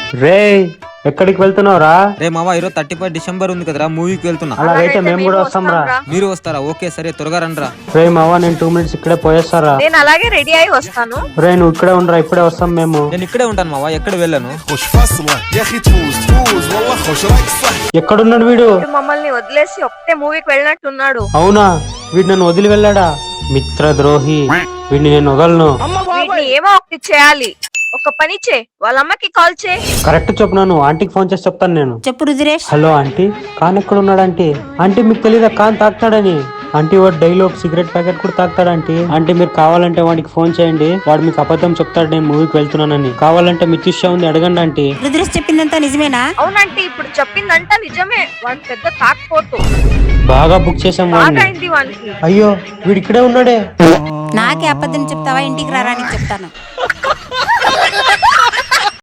రే ఎక్కడికి వెళ్తున్నావురా? రే మావా ఈరోజు 31 డిసెంబర్ ఉంది కదరా, మూవీకి వెళ్తున్నా. అలాగైతే మేము కూడా వస్తాం రా. మీరు వస్తారా? ఓకే సరే, త్వరగా రండి రా. రే మావా నేను 2 minutes ఇక్కడే పోయేస్తారా? నేను అలాగే రెడీ అయి వస్తాను. రే నువ్వు ఇక్కడే ఉండరా, ఇప్పుడే వస్తాం మేము. నేను ఇక్కడే ఉంటాను మావా, ఎక్కడ వెళ్ళను. ఎక్కడున్నాడు వీడు? వీడు మమ్మల్ని వదిలేసి ఒక్కటే మూవీకి వెళ్ళినట్టున్నాడు. అవునా, వీడు నన్ను వదిలి వెళ్ళాడా? మిత్రద్రోహి, వీడిని నేను వదలను. వీటిని ఏమో ఒకటి చేయాలి. ఒక పని చే, వాళ్ళ అమ్మకి కాల్ చే. కరెక్ట్ చెప్పినాను, ఆంటీకి ఫోన్ చేసి చెప్తాను నేను. చెప్పు రుద్రేష్. హలో ఆంటీ, ఖాన్ ఎక్కడ ఉన్నాడు ఆంటీ? ఆంటీ మీకు తెలీదా ఖాన్ తాగుతాడని? ఆంటీ వాడు డైలీ ఒక సిగరెట్ ప్యాకెట్ కూడా తాగుతాడు ఆంటీ. ఆంటీ మీరు కావాలంటే వాడికి ఫోన్ చేయండి, వాడు మీకు అబద్ధం చెప్తాడు నేను మూవీకి వెళ్తున్నానని. కావాలంటే మితిష్యా ఉంది, అడగండి ఆంటీ. రుద్రేష్ చెప్పిందంతా నిజమేనా? అవునంటే ఇప్పుడు చెప్పిందంట నిజమే. వాడు పెద్ద తాకపోతు. బాగా బుక్ చేసాం వాడిని. బాగైంది వానికి. అయ్యో వీడు ఇక్కడే ఉన్నాడే. నాకే అబద్ధం చెప్తావా? ఇంటికి రారా, నీకు చెప్తాను.